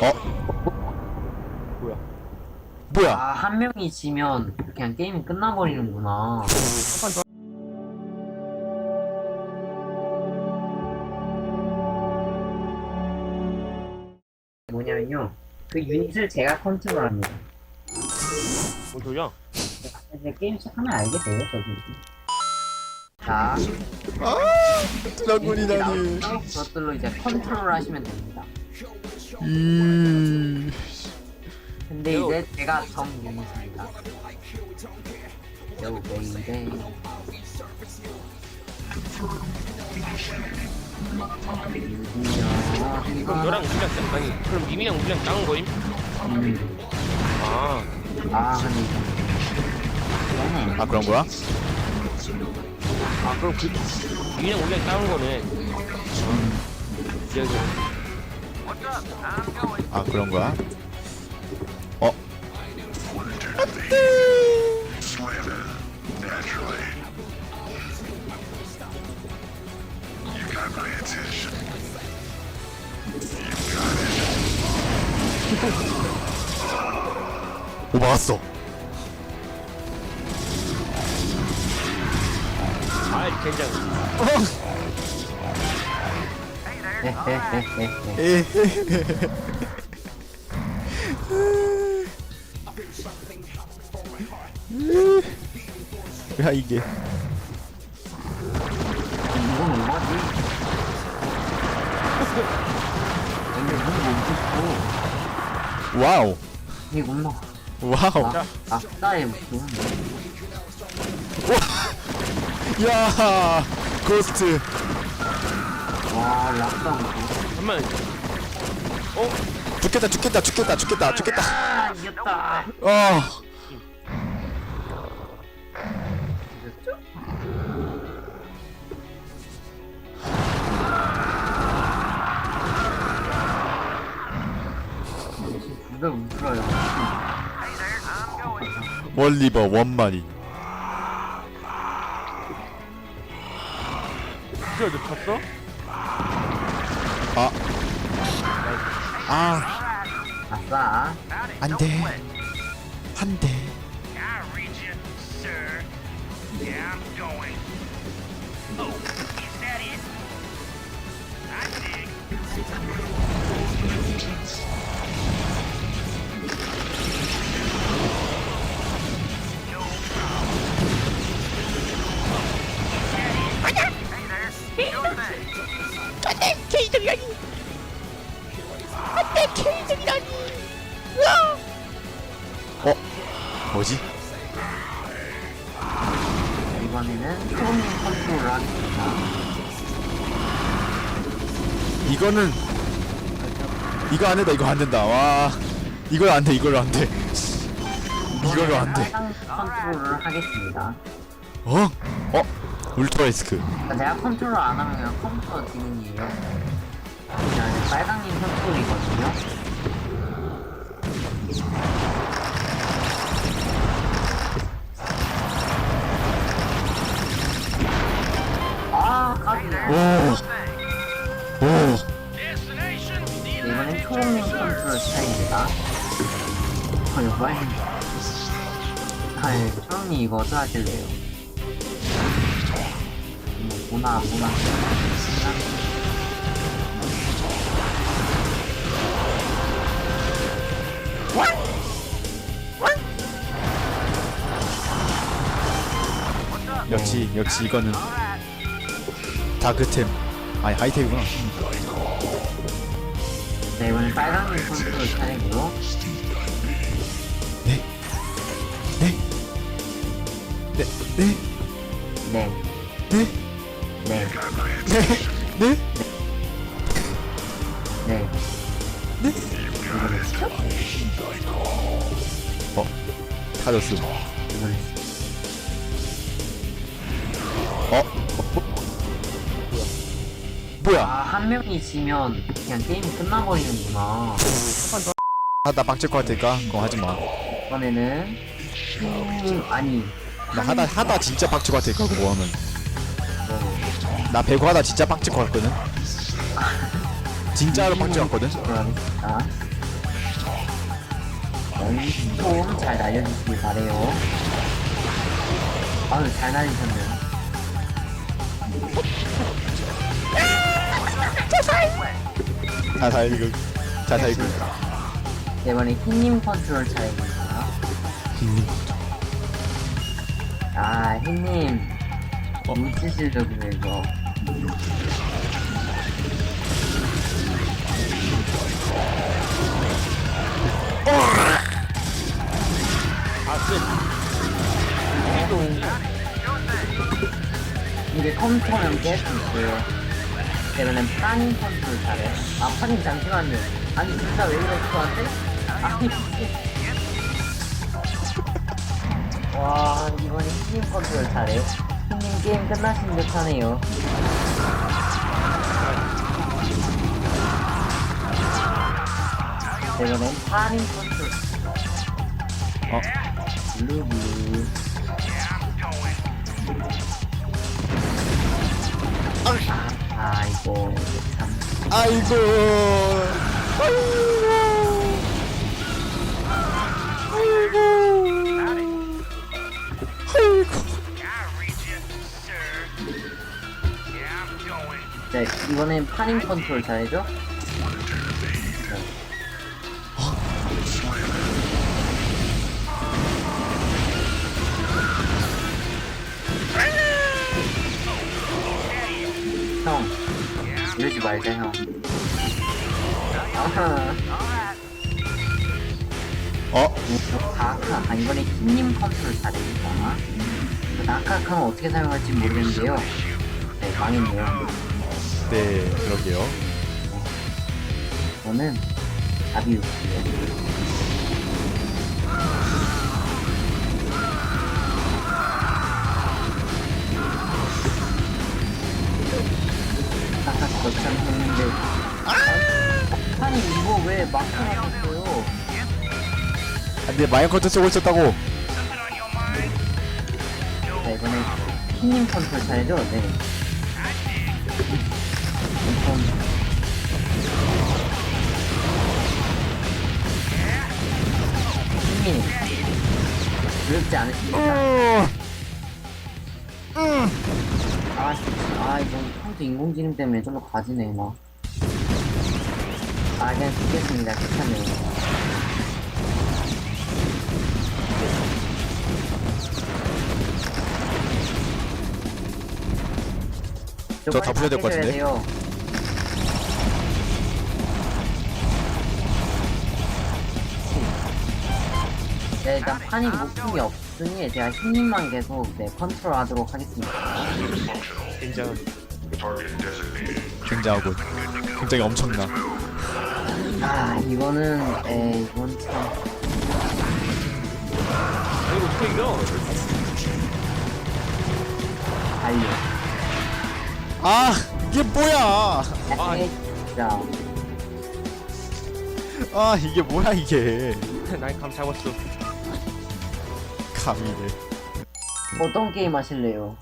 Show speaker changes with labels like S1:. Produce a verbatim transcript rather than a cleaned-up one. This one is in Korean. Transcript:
S1: 어?
S2: 뭐야?
S1: 뭐야?
S3: 아, 한 명이 지면 그냥 게임이 끝나버리는구나. 뭐냐면요. 그 유닛을 제가 컨트롤합니다.
S2: 뭔 소리야?
S3: 이제 게임 시작하면 알게 돼요, 저기. 자,
S1: 아, 드라군이다니.
S3: 그것들로 이제 컨트롤 하시면 됩니다.
S1: 음.
S3: 근데 이제 제가 정 유닛입니다. 요 베이베.
S2: 그럼 너랑 우리랑 짱- 아니 그럼 미미랑 우리랑 짱은 거임?
S3: 음.
S2: 아
S3: 아, 근데 이거.
S1: 아, 그런 거야?
S2: 아 그럼 그 미미랑 우리랑 짱은 거네. 기억이
S1: 아, 그런 거야? 어? 오, 막았어.
S2: 아 젠장.
S3: 헤헤헤헤헤.
S1: 야, 이게.
S3: 이건 뭐지? 근데 이건 먹고 싶어.
S1: 와우.
S3: 이거 뭐?
S1: 와우.
S3: 아, 아싸의 무슨?
S1: 야, 고스트.
S3: 와, 락다 무슨?
S2: 잠깐만. 어?
S1: 죽겠다, 죽겠다, 죽겠다, 죽겠다, 죽겠다.
S3: 아, 이겼다.
S1: 어.
S3: 이겼죠? 누가 울어요?
S1: 원리버 원마리.
S2: 진짜 너 쳤어?
S1: 아. 아,
S3: 아싸.
S1: 안 돼. 안 돼.
S4: I read you, sir. Yeah, I'm going. Oh, is that it? I dig. Hey there. Sure thing.
S1: 어? 뭐지?
S3: 이번에는 프로님 컨트롤을 하겠습니다.
S1: 이거는 이거 안 된다. 이거 안 된다. 와. 이걸 안 돼. 이걸로 안 돼. 이걸로 안 돼.
S3: 빨강 컨트롤을 하겠습니다.
S1: 어? 어? 울트라리스크.
S3: 그러니까 제가 컨트롤 안 하면 그냥 컴퓨터 기능이에요. 그냥 빨강님 컨트롤이거든요. 아, 까비네.
S1: 오. 오.
S4: Destination.
S3: 네, 이번엔 초록님 컨트롤 스타일입니다. 어, 이거 빨리. 아, 예, 초록님 이거 어떻게 하실래요? 뭐, 보나, 안 보나.
S1: 역시 역시 이거는 다크템. 아니 하이템이구나.
S3: 네, 이번엔 빨강님 컨트롤 차례고요.
S1: 네. 네. 네. 네.
S3: 네,
S1: 네.
S3: 네,
S1: 네. 네.
S3: 네.
S1: 네. 어. 타졌음.
S3: 이걸
S1: 어? 어? 뭐야?
S3: 아, 한 명이 지면 그냥 게임이 끝나버리는구나.
S1: 하다 빡칠 것 같으니까 그거 하지 마.
S3: 이번에는 음, 아니
S1: 나 하다 하다 진짜 빡칠 것 같으니까 그거 하면.
S3: 네,
S1: 나 배구 하다 진짜 빡칠 것 같거든. 진짜로 빡칠 것 같거든.
S3: 들어가겠습니다. 연좀 잘 날려주시길 바래요. 아유, 잘 날리셨네요.
S1: 자살 이거 자살 이거
S3: 네, 이번에 흰님 컨트롤 차례입니다. 아, 흰님.
S1: 어?
S3: 무지실력이네, 이거.
S2: 아스
S3: 이게 컴퓨터는 깰 수 있어요. 이번엔 파닌 컨트롤 차례. 아, 파닌 잠시만요. 아니, 진짜 왜 이래, 저한테? 아니, 와, 이번에 흰님 컨트롤 차례. 흰님 게임 끝나신 듯 하네요. 이번엔 파닌 컨트롤.
S1: 어?
S3: 블루블루. 아, 아이고, 참.
S1: 아이고 아이고
S4: I read you, sir. Yeah, I'm going.
S3: 네, 이번엔 파닝 컨트롤 잘해줘? 형, 이러지 말자, 형. 아하.
S1: 어?
S3: 다크아, 아, 이번에 흰님 컨트롤 잘해니까. 다크아카는 어떻게 사용할지 모르겠는데요. 네, 망했네요.
S1: 네 그러게요
S3: 저는 답이 없어요. 아까 거참 했는데. 아니, 이거 왜 막혀놨어요?
S1: 안돼 마인커트 쓰고 있었다고
S4: Something on your mind?
S3: 자, 이번에 흰님 컨트롤 잘해줘? 네. 우선 흰님 두렵지 않으십니까? 아, 아, 이거 컴퓨터 인공지능 때문에 좀 더 가지네, 막. 아, 그냥 죽겠습니다. 괜찮네요.
S1: 저다 부셔야 될것 같은데?
S3: 돼요. 네, 일단 판이 목숨이 없으니 제가 흰님만 계속 네, 컨트롤 하도록 하겠습니다.
S2: 인정.
S1: 굉장하군 굉장히 엄청나
S3: 아, 이거는, 에, 이건 참.
S2: 아 이거 어떻게 이겨?
S3: 달려.
S1: 아 이게 뭐야
S3: 아, 진짜.
S1: 아 이게 뭐야 이게
S2: 난 감 잡았어.
S1: 감이네
S3: 어떤 게임 하실래요?